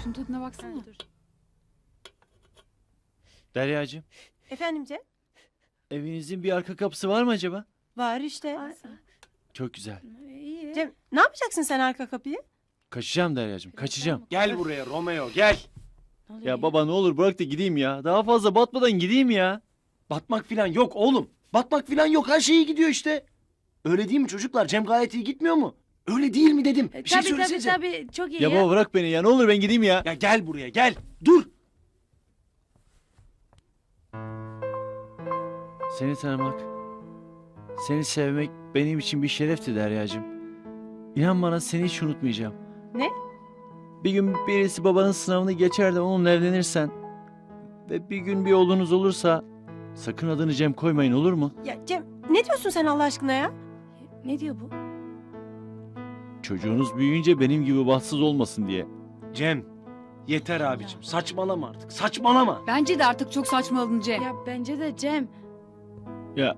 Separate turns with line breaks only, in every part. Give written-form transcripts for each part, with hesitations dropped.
Şunun tadına baksana.
Dur.
Deryacığım,
Efendim Cem?
evinizin bir arka kapısı var mı acaba?
Var işte.
Çok güzel.
İyi.
Cem ne yapacaksın sen arka kapıyı?
Kaçacağım Deryacığım, kaçacağım.
Gel buraya Romeo gel.
Ya baba ne olur bırak da gideyim ya. Daha fazla batmadan gideyim ya.
Batmak filan yok oğlum. Batmak filan yok, her şey iyi gidiyor işte. Öyle değil mi çocuklar? Cem gayet iyi gitmiyor mu? Öyle değil mi dedim. Bir şey söylesenize.
Tabii çok iyi
Ya baba bırak beni ya, ne olur ben gideyim ya.
Ya gel buraya gel. Dur.
Seni tanımak, seni sevmek benim için bir şerefti Deryacığım. İnan bana seni hiç unutmayacağım.
Ne?
Bir gün birisi babanın sınavını geçer de onunla evlenirsen ve bir gün bir oğlunuz olursa sakın adını Cem koymayın, olur mu?
Ya Cem ne diyorsun sen Allah aşkına ya?
Ne diyor bu?
Çocuğunuz büyüyünce benim gibi bahtsız olmasın diye.
Cem yeter abicim. Saçmalama artık. Saçmalama.
Bence de artık çok saçmaladın Cem. Ya bence de Cem.
Ya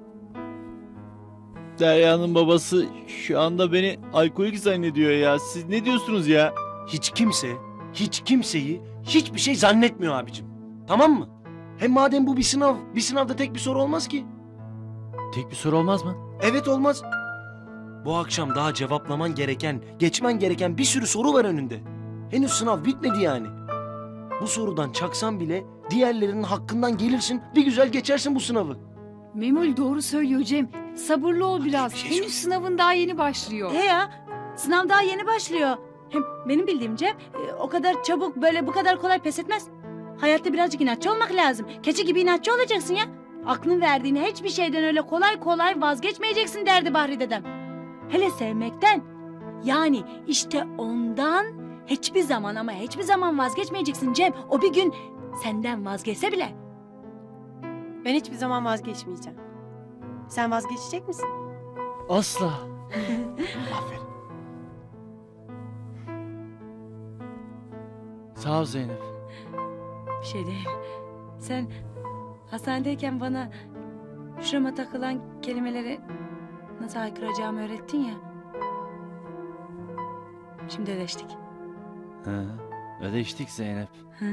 Derya'nın babası şu anda beni alkolik zannediyor ya. Siz ne diyorsunuz ya?
Hiç kimse, hiç kimseyi hiçbir şey zannetmiyor abicim. Tamam mı? Hem madem bu bir sınav, bir sınavda tek bir soru olmaz ki.
Tek bir soru olmaz mı?
Evet olmaz. Bu akşam daha cevaplaman gereken, geçmen gereken bir sürü soru var önünde. Henüz sınav bitmedi yani. Bu sorudan çaksan bile diğerlerinin hakkından gelirsin, bir güzel geçersin bu sınavı.
Memoli doğru söylüyor Cem. Sabırlı ol biraz.
bir şey
Henüz
söyle.
sınavın daha yeni başlıyor.
He ya, sınav daha yeni başlıyor. Hem benim bildiğim Cem o kadar çabuk böyle bu kadar kolay pes etmez. Hayatta birazcık inatçı olmak lazım. Keçi gibi inatçı olacaksın ya. Aklın verdiğini hiçbir şeyden öyle kolay kolay vazgeçmeyeceksin derdi Bahri dedem. Hele sevmekten. Yani işte ondan hiçbir zaman ama hiçbir zaman vazgeçmeyeceksin Cem. O bir gün senden vazgeçse bile.
Ben hiçbir zaman vazgeçmeyeceğim. Sen vazgeçecek misin?
Asla.
Aferin.
Sağ ol Zeynep.
Bir şey değil. Sen hastanedeyken bana şurama takılan kelimeleri nasıl haykıracağımı öğrettin ya. Şimdi ödeştik.
Ha, ödeştik Zeynep.
Hı?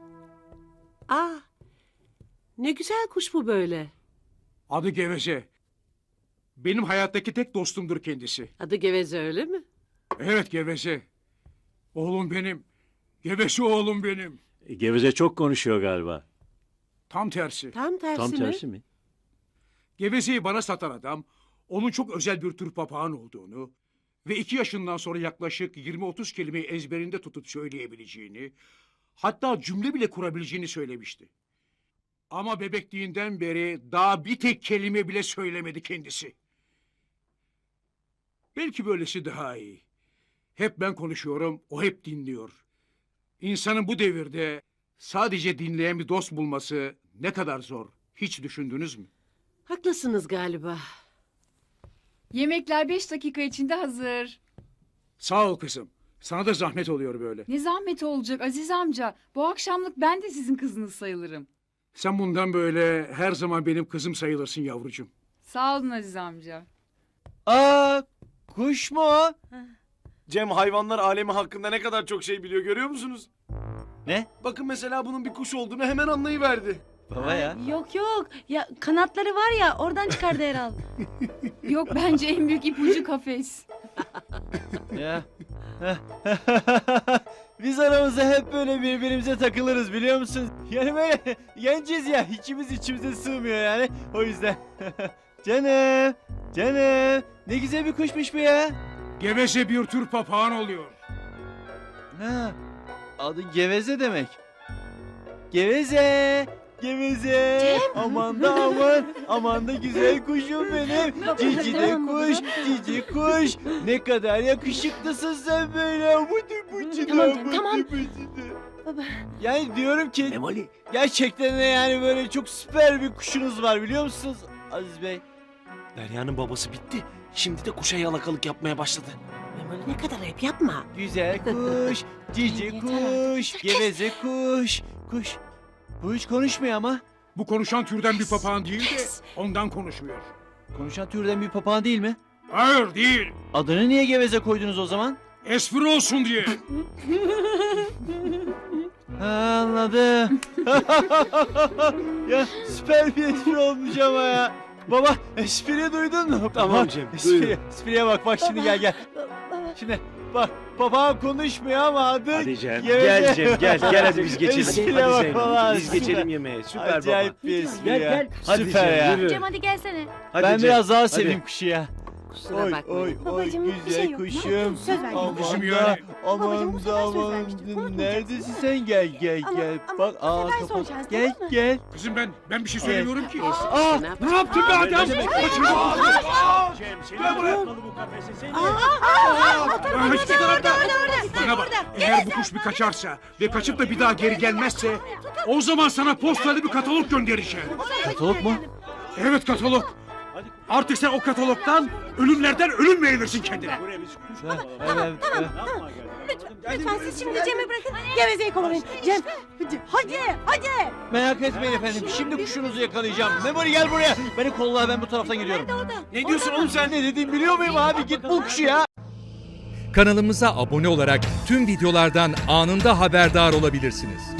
Ne güzel kuş bu böyle.
Adı Geveze. Benim hayattaki tek dostumdur kendisi.
Adı Geveze öyle mi?
Evet Geveze. Oğlum benim. Geveze oğlum benim.
Geveze çok konuşuyor galiba.
Tam tersi.
Tam tersi
Tam
mi?
tersi mi?
Gevezeyi bana satan adam, onun çok özel bir tür papağan olduğunu ve 2 yaşından sonra yaklaşık 20-30 kelimeyi ezberinde tutup söyleyebileceğini, hatta cümle bile kurabileceğini söylemişti. Ama bebekliğinden beri daha bir tek kelime bile söylemedi kendisi. Belki böylesi daha iyi. Hep ben konuşuyorum, o hep dinliyor. İnsanın bu devirde sadece dinleyen bir dost bulması ne kadar zor, hiç düşündünüz mü?
Haklısınız galiba.
Yemekler 5 dakika içinde hazır.
Sağ ol kızım. Sana da zahmet oluyor böyle.
Ne zahmet olacak Aziz amca. Bu akşamlık ben de sizin kızınız sayılırım.
Sen bundan böyle her zaman benim kızım sayılırsın yavrucuğum.
Sağ olun Aziz amca.
Aa, kuş mu o?
Cem hayvanlar alemi hakkında ne kadar çok şey biliyor, görüyor musunuz?
Ne?
Bakın mesela bunun bir kuş olduğunu hemen anlayıverdi.
Baba ya.
Yok yok. Ya kanatları var ya oradan çıkardı herhal.
Yok bence en büyük ipucu kafes.
Ya. Biz aramızda hep böyle birbirimize takılırız biliyor musun? Yani böyle genciz ya, içimiz içimize sığmıyor yani. O yüzden. Canım, canım. Ne güzel bir kuşmuş bu ya.
Geveze bir tür papağan oluyor.
Ha, adı Geveze demek. Geveze, Geveze. Aman da aman, aman da güzel kuşum benim. Cici de kuş, cici kuş. Ne kadar yakışıklısın sen böyle.
Tamam canım, tamam. Baba.
Yani diyorum ki
Memoli.
gerçekten de yani böyle çok süper bir kuşunuz var biliyor musunuz Aziz Bey?
Derya'nın babası bitti. Şimdi de kuşa yalakalık yapmaya başladı.
Memoli ne kadar hep yapma.
Güzel kuş, cici
Yeter
kuş, geveze kuş. Kuş. Bu hiç konuşmuyor ama.
Bu konuşan türden bir papağan değil de ondan konuşmuyor.
Konuşan türden bir papağan değil mi?
Hayır değil.
Adını niye geveze koydunuz o zaman?
Espri olsun diye.
Ha, anladım. Ya süper bir espri olmuş ama ya. Baba espriyi duydun mu?
Tamam
Bak,
Cem, duydum.
Espriye bak şimdi gel. Şimdi bak papağan konuşmuyor ama adı
Hadi Cem.
Gel Cem gel hadi biz geçelim.
Espriye
Hadi
bak
Zeynep,
vallahi,
biz
süper.
geçelim yemeğe. Süper
Acayip
baba.
bir espri
Gel
ya.
gel. Hadi
Süper
Cem,
ya.
yürü.
Cem hadi gelsene.
Hadi
Ben
Cem,
biraz daha
hadi.
seveyim kuşu ya.
Kusura
Oy
bakmayın.
oy oy
Babacığım, bir
güzel
şey yok. Ne
kuşum.
yapıyorsun? Söz verdim.
Aman
Kuşum
da
yani.
Babacığım, bu
aman
sefer
da
söz
aman.
vermiştim. Unutmayacaksın.
Neredesin sen gel
Ama- ama
bak
bu sefer son
kapat.
şans,
Gel
tamam mı?
gel.
Kızım ben bir şey söylemiyorum ki.
Aa
Ne yap-
Ne yaptın be adam?
Cem,
Kaçırma.
Cem seni
Gel buraya.
bırakmalı bu kafese seni.
Hiçbir tarafta. Bana bak. Eğer bu kuş bir kaçarsa ve kaçıp da bir daha geri gelmezse o zaman sana postayla bir katalog göndereceğim.
Katalog mu?
Evet katalog. Artık sen o katalogdan ölümlerden ölüm meyvesin kendine.
Buraya biz kuş
Evet,
bulalım.
evet.
Yapma gel.
Lütfen siz şimdi Cem'i bırakın. Gevezeyi kovalayın. Cem hadi.
Merak etmeyin efendim. Şimdi kuşunuzu yakalayacağım. Memoli gel buraya. Beni kolla ben bu taraftan gidiyorum. Ne diyorsun oğlum sen? Ne dediğimi biliyor muyum abi? Git bul kuşu ya.
Kanalımıza abone olarak tüm videolardan anında haberdar olabilirsiniz.